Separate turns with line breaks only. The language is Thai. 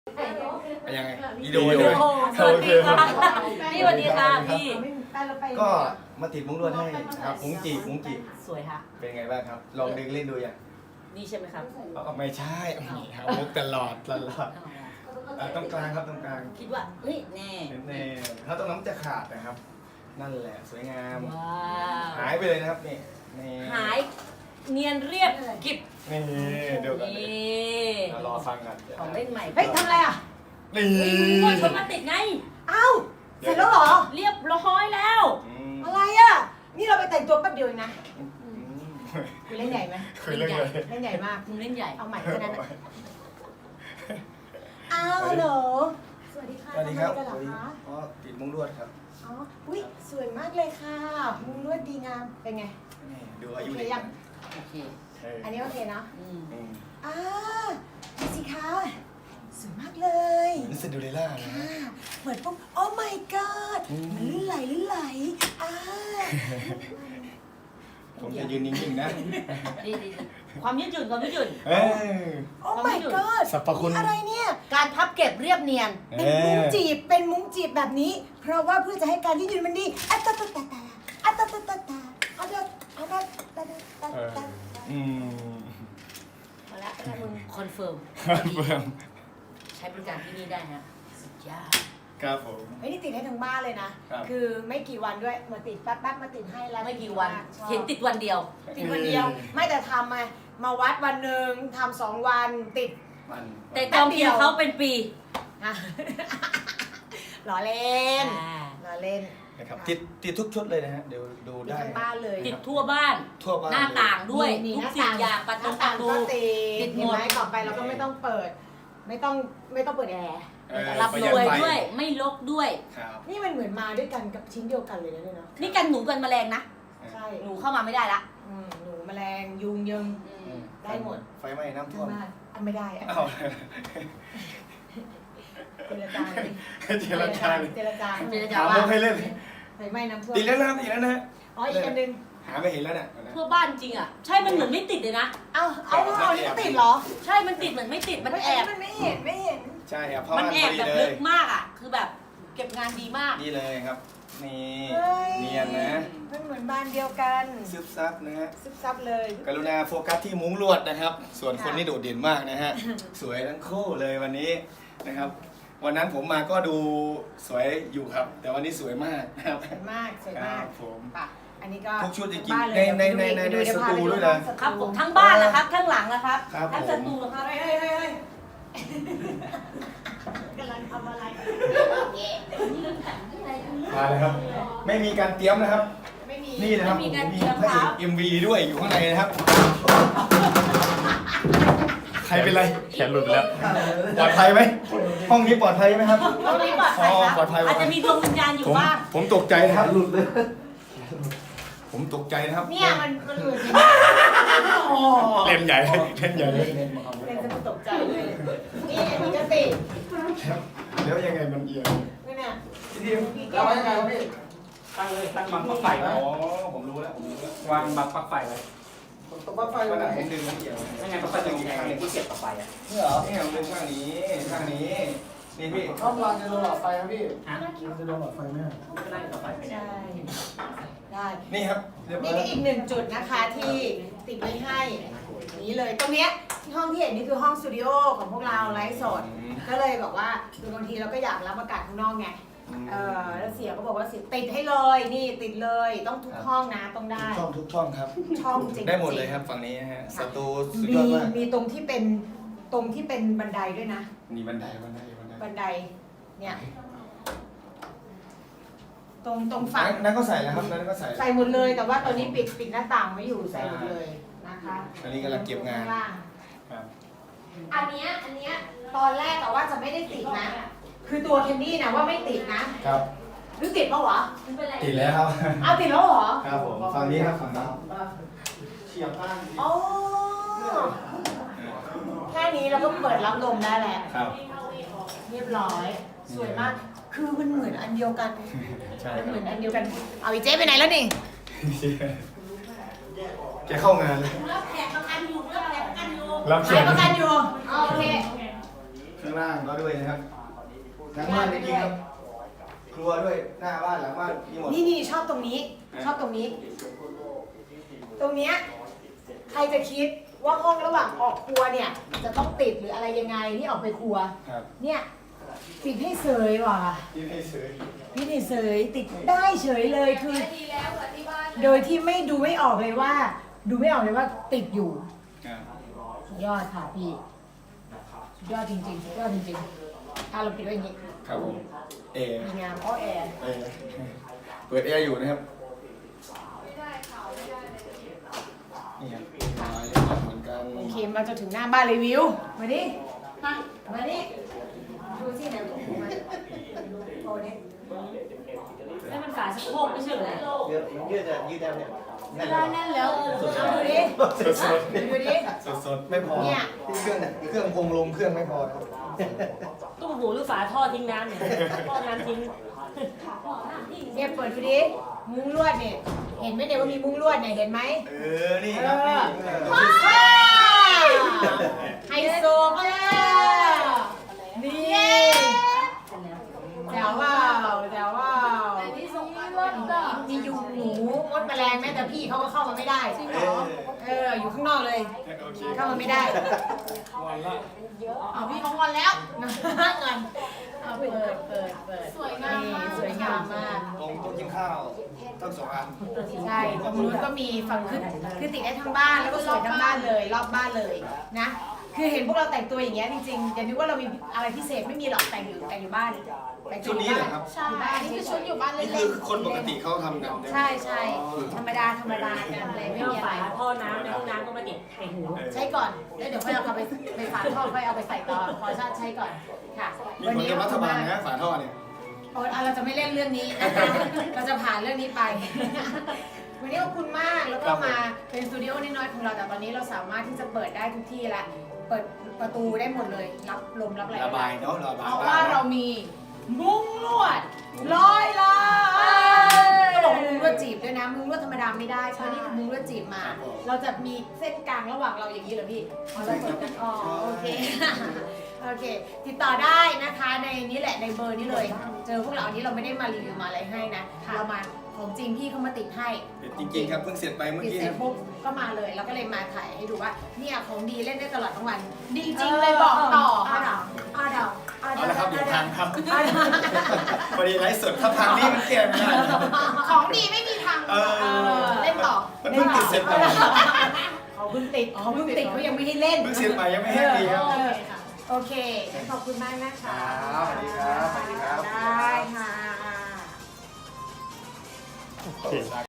ยังไงวิ
สวัสดีค่ะพี่สวัสดีค่ะพี่
ก็มาติดมุ้งลวดให้ครับมุ้งจี
สวยค่ะ
เป็นไงบ้างครับลองดึงเล่นดูอย่าง
นี่ใช่ไหมครับ
ไม่ใช่ครับมุกตลอดตรงกลางครับตรงกลาง
คิดว่าเฮ้ยแน่
ถ้าตรงนั้นจะขาดนะครับ นั่นแหละสวยงาม
ว้าว
หายไปเลยนะครับนี่
หายเนียนเรียบกิบ
นี่เดี๋ยวกัน
นี่
รอฟังกัน
ของเล่นใหม่
เฮ้ยทำอะไรอ่ะ
นี่
ว่าชนมาติดไง
เอ้าเสร็จแล้วเหรอ
เรียบร้อยแล้ว
อะไรอ่ะ นี่เราไปแต่งตัวแป๊บเดียวเองนะคุณเล่นใหญ่ไหม
คุยเรื่องอะไร
เล่นใหญ่มาก
มึงเล่นใหญ่
เอาใหม่แค่นั้นนะอ้าวฮัลโหลสวัสดีค่ะ
สวัสดีครับ
ทำอะไรกันเหรอคะ
อ๋อติดมุ้งลวดครับ
อ๋ออุ้ยสวยมากเลยค่ะมุ้งลวดดีงามเป็นไง
นี่ดูอายุ
โอเค
เด็ก
ยัง
โอเค
อันนี้โอเคเนาะ
อืม
อ่าดูสิคะสวยมากเลย
นี่ซินเดอเรลล่านะ
ค่ะเหมือนปุ๊บโอ้ my god มันลื่นไหลอ่า
ผมจะยืนนิ่งๆนะ
ดีความยืดหยุ่นความยืดหยุ่น
เอ้ย
โอ้ my god
สรรพคุณ
นี่อะไรเนี่ย
การพับเก็บเรียบเนียน
เป็นมุ้งจีบ เป็นมุ้งจีบแบบนี้ เพราะว่าเพื่อจะให้การยืดหยุ่นมันดีอะตะตะตะตะอะตะตะตะตะอะตะอะตะตะตะตะ
อืม
มาแล้วถ้ามึงคอนเฟิร์ม
เบิ่ม
ใช้บริการที่นี่ได้ฮะสุดยอด
ครับผม
ไม่ได้ติดให้ทั้งบ้านเลยนะ คือไม่กี่วันด้วย มาติดแป๊บๆมาติดให้แล้ว
ไม่กี่วัน
ชอบ
เห็นติดวันเดียว
ติดวันเดียว ไม่แต่ทำมาวัดวันหนึ่งทำ2 วันติด
มัน
แต่กองเชียร์เขาเป็นปี
อ่ะ ล้อเล่น
อ่า
ล้อเล่น
นะครับติดทุกชุดเลยนะฮะเดี๋ยวดู
ติด
ได้
ทั้งบ้านเลย
ติดทั่วบ้าน
ทั่วบ้าน
หน้าต่างด้วย
นี่
ทุกสิ่งอย่างประ
ห
ตู
น้า
ป
ต่า
ระ
ง
ตู
ก็ติ
ติ
ด
ดหม
เห็น
ด
ไหมต่อไปเราก็ไม่ต้องเปิด ไม่ต้องเปิดแอร์
รับรวยด้วยไม่ลกด้วย
ครับ
นี่มันเหมือนมาด้วยกันกับชิ้นเดียวกันเลยนะเนี่ยเนาะ
นี่กันหนูกันแมลงนะ
ใช่
หนูเข้ามาไม่ได้ละ
หนูแมลงยุงยิง ได้หมด
ไฟไหม้น้ำท่วม
มากอันไม่ได้อะ
อ้าว
เจรจาดิ
เจรจา
เจรจา
ถามมุกให้เล่น
ไฟไหม้น้ำท่วม
ติดแล้วนะครับติดแล้วนะ
อ๋ออีกอันหนึง
หาไม่เห็นแล้วเนี่ย
ทั่วบ้านจริงอ่ะใช่มันเหมือนไม่ติดเลยนะ
เอานี่ก็ติดเหรอ
ใช่มันติดเหมือนไม่ติดมันแอบ
มันไม่เห็นไม่เห็น
ใช่ครับเพราะ
มัน
มัน
แอ
พ
บ
อดี
แบบ
เล
ลึ
ย
กมากอ่ะคือแบบเก็บงานดีมาก
นี่เลยครับ นี่
เฮ้ย
เนียนนะ
มันเหมือนบ้านเดียวกัน
ซึบซับนะฮะ
ซึบซับเลย
กรุณาโฟกัสที่มุ้งลวดนะครับ ส่วนคน
ค่ะ
นี่โดดเด่นมากนะฮะ สวยทั้งคู่เลยวันนี้นะครับ วันนั้นผมมาก็ดูสวยอยู่ครับ แต่วันนี้สวยมากนะครับ
สวยมากสวย
ค
มา
รั
ก
บผม
ป่ะอันนี้ก็
ทุกชุดจริงๆ
บ้าเลย
ในสตูด้วยนะ
ครับผมทั้งบ้านนะครับทั้งหลังนะครับ
ครับ
ทั้ง
ผม
สตูนะครับ
เฮ้ยกำลังทำอะไร
มาเลยครับ ไม่มีการเตรียมนะครับ
ไม่มี
นี่นะครับผมมีพระเอก MV ด้วยอยู่ข้างในนะครับ ใครเป็นไร
แขนหลุดไปแล้ว
ปลอดภัยไหมห้องนี้ปลอดภัยไหมครับ
ตรงนี้ปลอดภัย
ปลอดภัย
อาจจะมีดวงวิญญาณอยู่บ้าง
ผมตกใจนะครับหลุดเลยผมตกใจนะครับ
เนี่ยมันหลุด
เล่นใหญ่เลยเล่นใหญ่เลย
เป็นสมุดตกใจเลยนี่มีกระติก
แล้วยังไงมันเอียง
นี่เนี่ย
เราไว้ยังไงวะพี่ ตั้งเลยตั้งบังปลั๊กไฟ
อ๋
ไว้
อผมรู้แล้วผมรู้แล้ว
วางบังปลั๊กไฟไว้
ตัวบ้าไฟวันไหนผมดึงมันเอียง
ไม่งั้นปลั๊กไฟจะมีแรงที่เสียบกับไฟอ่ะ
นี่เหรอนี่ผมดึงข้างนี้ข้างนี้นี่พี่
รอบรางจะโดนหลอดไฟครับพี่
ฮะ
มันจะโดนหลอดไฟไหมครับ
ไม่ได้กับไฟไม่ได้
ใช่ได้
นี่ครับเรียบร้
นี่
อย
ก็อีกหนึ่งจุดนะคะที่ติดไว้ให้นี้เลยตรงเนี้ยที่ห้องที่เห็นนี่คือห้องสตูดิโอของพวกเราไลฟ์สดก็เลยบอกว่าคือบางทีเราก็อยากรับอากาศข้างนอกไงแล้วเสียก็บอกว่าเสียติดให้เลยนี่ติดเลยต้องทุกห้องนะต้องได้
ทุกช่องครับ
ช่องจริงๆ
ได้หมดเลยครับฝั่งนี้นะฮะสตูสุดย
มี
อดมาก
มีตรงที่เป็นบันไดด้วยนะ
นี่บันได
บันไดเนี่ยตรงฝั่ง
นั่นก็ใส่แล้วครับนั่นก็ใส่
ใส่หมดเลยแต่ว่าตอนนี้ปิดหน้าต่างไว้อยู่ใส่หมดเลยนะคะ
อันนี้กำลังเก็บงาน
ข้ล่
ครับ
อันเนี้ยตอนแรกแต่ว่าจะไม่ได้ติดนะ คือตัวเคนนี่นะว่าไม่ติดนะครับ หรือติดปะวะ
ติดแล้วครับ
เอาติดแล้วเหรอ
ครับผมฝั่งนี้ครับฝั่งนี้
เฉียบมาก
อ๋อแค่นี้เราก็เปิดรับลมได้แล้ว
ครับ
เรียบร้อย สวยมาก คือมันเหมือนอันเดียวกัน
ใช่
มัน
ค
เห
รั
มือบ นอันเดียวกัน เอาอีเจ๊ไปไหนแล้วนี่
แกเข้างานเลย
รับแขกประกันอยู่รับแขกประกันอยู่
รับเชิ
ขาย
ญ
ประกันอยู่โอเค
ข้างล่างก็ด้วยนะครับทั้งบ้านจริงๆครับครัวด้วยหน้าบ้านหลังบ้านมีหมด
นี่ชอบตรงนี้ ชอบตรงนี้ ตรงเนี้ยใครจะคิดว่าห้องระหว่างออกครัวเนี่ย จะต้องติดหรืออะไรยังไงนี่ออกไปครัว
ครับ
เนี่ยติดให้เสยว่ะ
ที่ให้ซื้อ
พี่นี่เสยติดได้เฉยเลยคือ โดยที่ดูไม่ออกเลยว่า ดูไม่ออกเลยว่าติดอยู่
ครับ
สุดยอดค่ะพี่สุดยอดจริงๆสุดยอดจริงๆเราปิดไว้อย่างนี้
ครับผมเอ
ดีงามอ้อแอร์
เอเปิดแอร์อยู่นะครับนี่ครับเหมือนกัน
โอเคมาจนถึงหน้าบ้านเลยวิวมาดิมาดิดูสิไหนดูมาโอ้เนี่ย
นี่มันฝาสะโพกไม่ใช่เหรอ
ยืดได้เนี่ย
ได้แน่นแล้วเอาดูดิ
สด
ดูดิ
ๆสดๆไม่พอ
เนี่ย
ที่เครื่องคงลงเครื่องไม่พอครับ
ตุ้มหูหรือฝาท่อทิ้งน้ำเนี่ยท่อน้ำทิ้ง
เนี่ยเปิดดูดิมุ้งลวดเนี่ยเห็นไหมเนี่ยว่ามีมุ้งลวดเนี่ยเห็นไหม
นี่ครับนี่
ว้าวไฮโซมากนี่แจ๋วว้าวแจ๋วว้าวมียุงหนูมดแมลงแม้แต่พี่เขาก็เข้ามาไม่ได้อยู่ข้างนอกเลย
โอเค
เข้ามาไม่ได้
วันละ
เอาพี่เขางอนแล้วงอนเอาเปิดสวยงามมากสวยงามมาก
ตรงโต๊ะกินข้าวทั้งสองอัน
ใช่ตรงนู้นก็มีฝั่งคือติดได้ทั้งบ้านแล้วก็สวยทั้งบ้านเลยรอบบ้านเลยนะคือเห็นพวกเราแต่งตัวอย่างเงี้ยจริงๆอย่านึกว่าเรามีอะไรพิเศษไม่มีหรอกแต่งอยู่บ้านแต่ง
ชุดนี้เหรอครับ
ใช่นี่คือชุดอยู่บ้านเล่
นี่
น
คือคนปกติเขาทำกัน
ใช่ธรรมดากันเลยไม่
ไม่
มี
เอา
อะไร
ฝาท่อน้ำในห้องน้ำก็มาติดใส่หู
ใช้ก่อนแล้วเดี๋ยวค่อยเอาไปฝาท่อค่อยเอาไปใส่ต่อขอชาติใช้ก่อนค่ะ
มีผลกับรัฐบาลนะฝาท่อเนี่ย
โอ้เราจะไม่เล่นเรื่องนี้นะคะเราจะผ่านเรื่องนี้ไป วันนี้ขอบคุณมากแล้วก็มาเป็นสตูดิโอน้อยๆของเราแต่ตอนนี้เราสามารถที่จะเปิดได้ทุกที่ละเปิดประตูได้หมดเลยรับลมรับอะไร
ระบายเนาะระบาย
เพราะว่าเรามีมุ้งลวด100 ล้านก็บอกมุ้งลวดจีบด้วยนะมุ้งลวดธรรมดาไม่ได้เพราะนี่คือมุ้งลวดจีบมา เราจะมีเส้นกลางระหว่างเราอย่างนี้เหรอพี่เราเปิดกันโอเค โอเค ติดต่อได้นะคะในนี้แหละในเบอร์นี้เลย เจอพวกเราอันนี้เราไม่ได้มารีวิวมาอะไรให้นะ เรามาของจริงพี่เขามาติดให้
จริงๆครับเพิ่งเสร็จไปเมื่อ
ติด
กี้
เสร็จปุ๊บก็มาเลยเราก็เลยมาถ่ายให้ดูว่าเนี่ยของดีเล่นได้ตลอดทั้งวัน ดีจริงเลยบอกต่อค่ะเอาเดา
เอาละครับเดี๋ยวทางครับพอดีไลฟ์สดถ้าทางนี้มันแก้ไม่ได้นะครับ
ของดีไม่มีทางเล่นต่อ
มันเพิ่งติดเสร็จไป
เขาเพิ่งติดเขายังไม่ให้เล่น
เพิ่งเสร็จไปยังไม่ให้ดีครับ
โอเคขอบคุณมากนะคะ
ครับสวัสดีครับสวัสดีครับ
ได้ค่ะ
โอเค